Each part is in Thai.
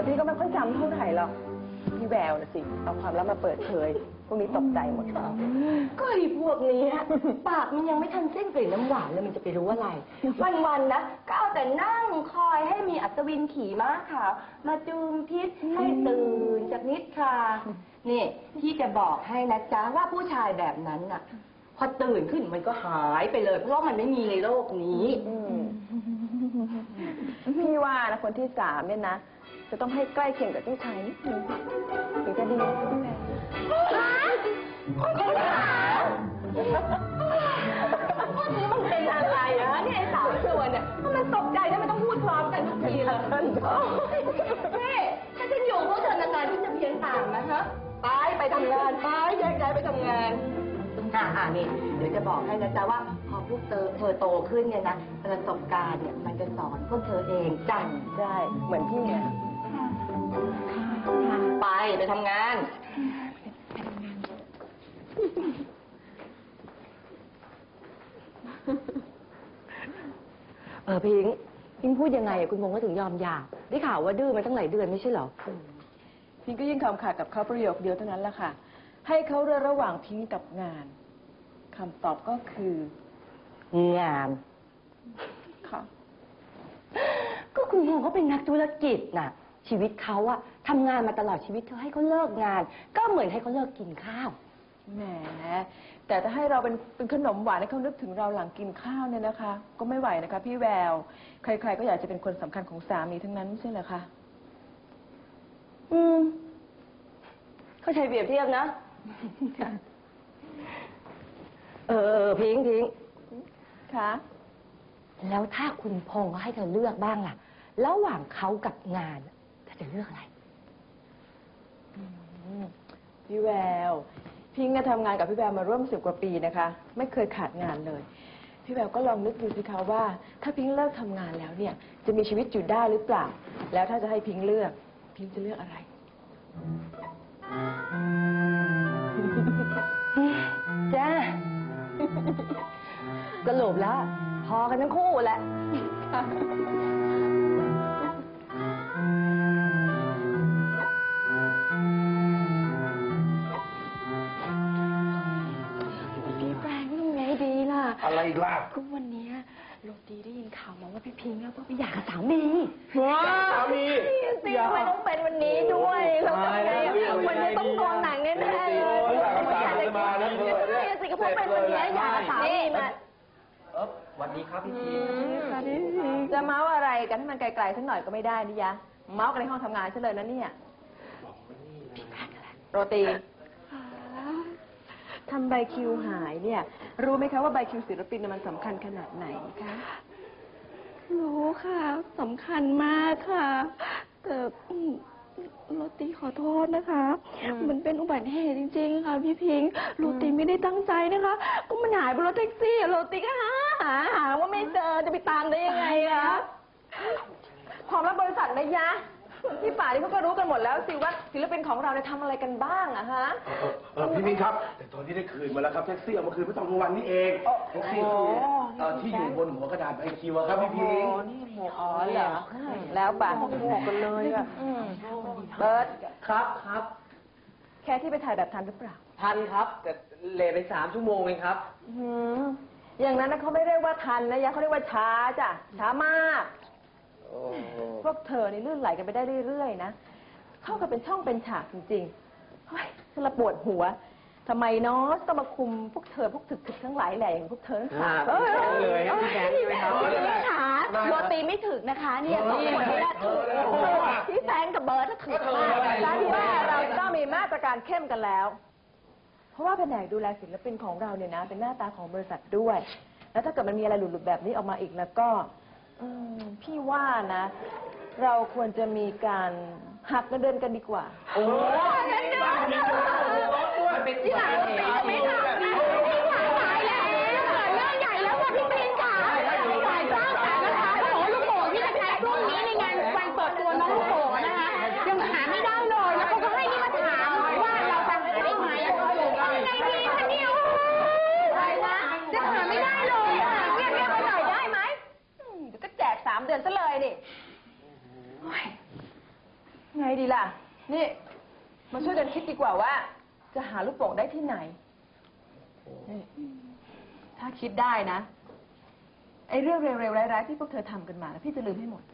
พี่ก็ไม่ค่อยจำเท่าไหร่หรอกพี่แววนะสิเอาความลับมาเปิดเผยพวกนี้ตกใจหมดก็ไอ้พวกนี้ปากมันยังไม่ทันสิ้นกลิ่นน้ำหวานเลยมันจะไปรู้อะไรวันๆนะก็เอาแต่นั่งคอยให้มีอัศวินขี่ม้าขาวมาจูงพิษให้ตื่นจากนิทรานี่ที่จะบอกให้นะจ๊ะว่าผู้ชายแบบนั้นน่ะพอตื่นขึ้นมันก็หายไปเลยเพราะว่ามันไม่มีในโลกนี้พี่ว่านะคนที่3เนี่ยนะจะต้องให้ใกล้เคียงกับเจ้าชายนิดนึงถึงจะดีพี่แววคนที่3พวกนี้มันเป็นอะไรอะเนี่ยไอ้สาวส่วนเนี่ยมันตกใจแล้วมันต้องพูดพร้อมกันทุกทีเลยนี่ถ้าฉันอยู่พวกเธอนานๆที่จะเพี้ยนตามนะฮะไปทำงานไปแยกย้ายไปทำงานนี่เดี๋ยวจะบอกให้นะจ๊ะว่าพอพวกเธอโตขึ้นเนี่ยนะประสบการณ์เนี่ยมันจะสอนพวกเธอเองจ้ะได้เหมือนพี่เนี่ยไปทำงานพิงพูดยังไงคุณพงษ์ก็ถึงยอมหย่าได้ข่าวว่าดื้อมาตั้งหลายเดือนไม่ใช่เหรอพิงก็ยิ่งคำขาดกับเขาประโยคเดียวเท่านั้นแหละค่ะให้เขาเลือกระหว่างพิงกับงานคำตอบก็คืองานค่ะก็คุณพงษ์เขาเป็นนักธุรกิจน่ะชีวิตเขาอะทำงานมาตลอดชีวิตเธอให้เขาเลิกงานก็เหมือนให้เขาเลิกกินข้าวแหมแต่ถ้าให้เราเป็นขนมหวานให้เขานึกถึงเราหลังกินข้าวเนี่ยนะคะก็ไม่ไหวนะคะพี่แววใครๆก็อยากจะเป็นคนสำคัญของสามีทั้งนั้นไม่ใช่เหรอคะเขาใช้เปรียบเทียบนะพิงค่ะแล้วถ้าคุณพงษ์เขาให้เธอเลือกบ้างล่ะระหว่างเขากับงานเธอจะเลือกอะไรพี่แววพิงทำงานกับพี่แววมาร่วม10 กว่าปีนะคะไม่เคยขาดงานเลยพี่แววก็ลองนึกดูสิคะว่าถ้าพิงเลิกทำงานแล้วเนี่ยจะมีชีวิตอยู่ได้หรือเปล่าแล้วถ้าจะให้พิงเลือกพิงจะเลือกอะไรจ้าสรุปแล้วพอกันทั้งคู่แหละอะไรอีกล่ะก็วันนี้โรตีได้ยินข่าวมาว่าพี่พิงค์แล้วก็ไปหย่ากับสามีสามีสิทำไมต้องเป็นวันนี้ด้วยเราทำไงวันนี้ต้องโดนหนังแน่ๆเลยมาแล้วสิก็เพราะเป็นวันนี้หย่ากับสามีมาวันนี้ครับพี่พิงจะเมาส์อะไรกันให้มันไกลๆสักหน่อยก็ไม่ได้นี่ยะเมาส์กันในห้องทำงานเฉลยนะเนี่ยโรตีทำใบคิวหายเนี่ยรู้ไหมคะว่าใบคิวศิลปินมันสำคัญขนาดไหนคะรู้ค่ะสำคัญมากค่ะแต่โรตีขอโทษนะคะมันเป็นอุบัติเหตุจริงๆค่ะพี่พิงค์โรตีไม่ได้ตั้งใจนะคะก็มันหายบนรถแท็กซี่โรตีก็หาว่าไม่เจอจะไปตามได้ยังไงคะความลับบริษัทนะยะที่ป่าที่เขาก็รู้กันหมดแล้วสิว่าศิลปินของเราเนี่ยทำอะไรกันบ้างอะฮะพี่พิงครับแต่ตอนที่ได้คืนมาแล้วครับแท็กซี่เอามาคืนเมื่อตอนกลางวันนี่เองแท็กซี่ที่อยู่บนหัวกระดาษใบคิวครับพี่พิงนี่เหรอแล้วป่ะหมวกกันเลยอะเบิร์ดครับแค่ที่ไปถ่ายแบบทันหรือเปล่าทันครับแต่เลทไป3 ชั่วโมงเองครับอย่างนั้นเขาไม่เรียกว่าทันนะยะเขาเรียกว่าช้าจ้ะช้ามากพวกเธอนี่ลื่นไหลกันไปได้เรื่อยๆนะเข้ากันเป็นช่องเป็นฉากจริงๆเฮ้ยฉันละปวดหัวทำไมเนาะต้องมาคุมพวกเธอพวกถึกๆทั้งหลายแหล่อย่างพวกเธอเลยครับพี่แกใช่ไหมครับโรตีไม่ถึกนะคะเนี่ยสองคนนี้ถูกพี่แฟงกับเบิร์ดถูกมากการที่ว่าเราต้องมีมาตรการเข้มกันแล้วเพราะว่าแผนกดูแลศิลปินของเราเนี่ยนะเป็นหน้าตาของบริษัทด้วยแล้วถ้าเกิดมันมีอะไรหลุดๆแบบนี้ออกมาอีกแล้วก็พี่ว่านะเราควรจะมีการหักเงินเดือนกันดีกว่าโอ้ยเงินเดือนเป็นที่ไหนไม่ทำนะพี่ขวายตายแล้วเรื่องใหญ่แล้วค่ะพี่พิงค์ค่ะฝ่ายจ้างค่ะนะคะโอ้ลูกโป่งที่จะใช้ช่วงนี้ในงานวันเปิดตัวน้องลูกโป่งนะคะยังหาไม่ได้เลยแล้วเขาก็ให้นี่มาถามว่าเราจะหาได้ไหมยังไงดีคะเนี่ยจะหาไม่ได้เลยเงียบๆไปหน่อยได้ไหมก็แจก3 เดือนซะเลยนี่ไงไงดีล่ะ นี่ มาช่วยกันคิดดีกว่าว่า จะหาลูกโป่งได้ที่ไหนนี่ถ้าคิดได้นะ ไอ้เรื่องเร็วๆร้ายๆที่พวกเธอทำกันมาพี่จะลืมให้หมด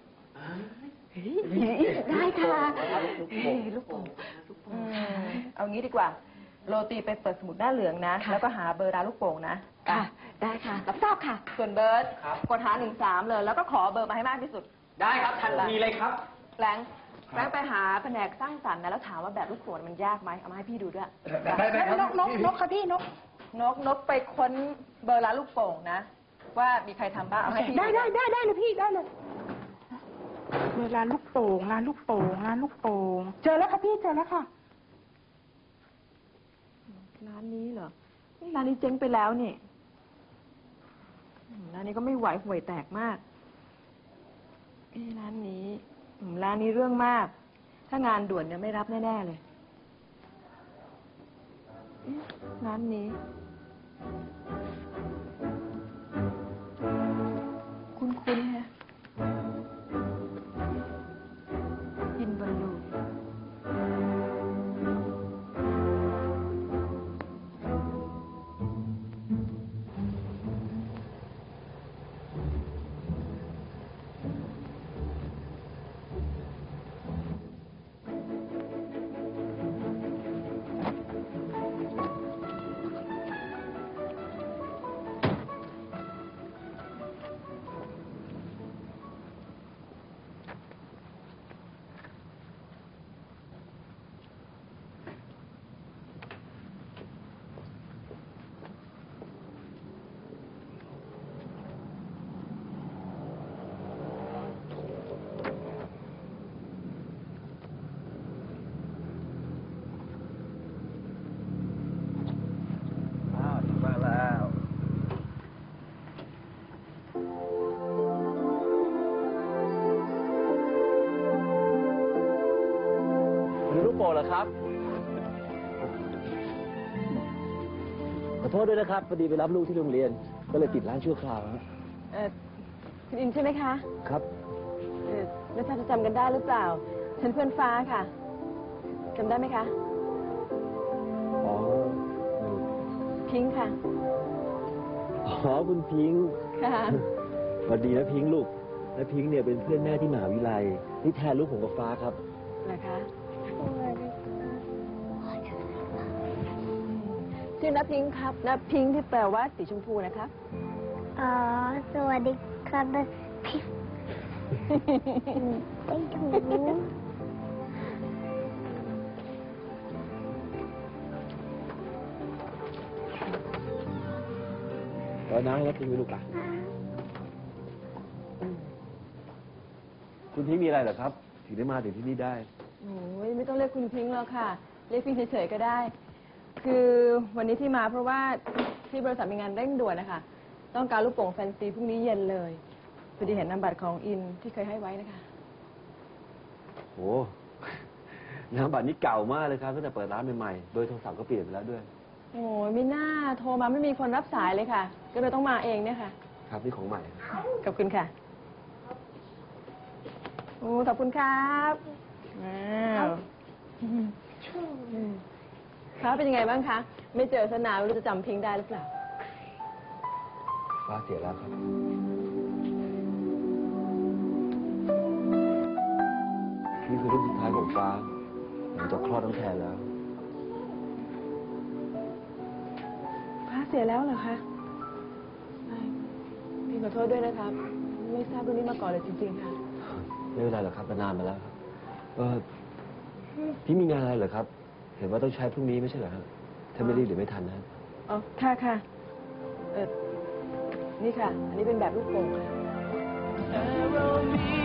ได้ค่ะลูกโป่งเอางี้ดีกว่า โรตีไปเปิดสมุดหน้าเหลืองนะ แล้วก็หาเบอร์ร้านลูกโป่งนะค่ะ ได้ค่ะ รับทราบค่ะส่วนเบิร์ตกดหา13เลย แล้วก็ขอเบอร์มาให้มากที่สุดได้ครับทันทีเลยครับแฟรงค์ไปหาแผนกสร้างสรรค์นะแล้วถามว่าแบบลูกโป่งมันยากไหมเอามาให้พี่ดูด้วยได้ครับนกค่ะพี่นกนกไปค้นเบอร์ร้านลูกโป่งนะ ว่ามีใครทำบ้างเอาให้พี่ได้เลยพี่ได้เลยร้านลูกโป่งร้านลูกโป่งร้านลูกโป่งเจอแล้วค่ะพี่เจอแล้วค่ะร้านนี้เหรอร้านนี้เจ๊งไปแล้วนี่ร้านนี้ก็ไม่ไหวห่วยแตกมากร้านนี้เรื่องมาก ถ้างานด่วนเนี่ยไม่รับแน่ๆเลยร้านนี้คุ้นๆฮะกินบอลลูนมาแล้วมีลูกโป่งเหรอครับ ขอโทษด้วยนะครับพอดีไปรับลูกที่โรงเรียน ก็เลยปิดร้านชั่วคราวฮะคุณอินใช่ไหมคะครับไม่ทราบจะจำกันได้หรือเปล่า ฉันเพื่อนฟ้าค่ะจำได้ไหมคะอ๋อพิงค์ค่ะอ๋อคุณพิงค์ค่ะสวัสดีนะพิงค์ลูกและพิงค์เนี่ยเป็นเพื่อนแม่ที่มหาวิทยาลัยนี่แทนลูกผมกับฟ้าครับนะคะชื่อน้าพิงค์ครับน้าพิงค์ที่แปลว่าสีชมพูนะคะอ๋อ สวัสดีครับพี่ไม่ถูกตอนนั้นแล้วพิงค์มีลูกอ่ะคุณพิงค์มีอะไรเหรอครับ ถึงได้มาถึงที่นี่ได้โอ้ยไม่ต้องเรียกคุณพิงค์แล้วค่ะ เรียกพิงค์เฉยๆก็ได้ คือวันนี้ที่มาเพราะว่าที่บริษัทมีงานเร่งด่วนนะคะ ต้องการลูกโป่งแฟนซีพรุ่งนี้เย็นเลยพอดีเห็นนามบัตรของอินที่เคยให้ไว้นะคะโอ้นามบัตรนี้เก่ามากเลยครับตั้งแต่เปิดร้านใหม่ๆ โดยโทรศัพท์ก็เปลี่ยนไปแล้วด้วยโอ้ยไม่น่าโทรมาไม่มีคนรับสายเลยค่ะ ก็เลยต้องมาเองเนี่ยค่ะครับนี่ของใหม่ขอบคุณค่ะโอ้ขอบคุณครับว้าวครับเป็นยังไงบ้างคะ ไม่เจอสนานไม่รู้จะจำพิงค์ได้หรือเปล่าฟ้าเสียแล้วครับ นี่คือรูปสุดท้ายของฟ้าหลังจากคลอดน้องแทนแล้วฟ้าเสียแล้วเหรอคะพี่ขอโทษด้วยนะครับ ไม่ทราบเรื่องนี้มาก่อนเลยจริงๆค่ะไม่เป็นไรหรอกครับนานมาแล้วครับพี่มีงานอะไรเหรอครับ เห็นว่าต้องใช้พรุ่งนี้ไม่ใช่เหรอครับถ้าไม่รีบเดี๋ยวไม่ทันนะอ๋อ ค่ะค่ะนี่ค่ะ อันนี้เป็นแบบลูกโป่งค่ะ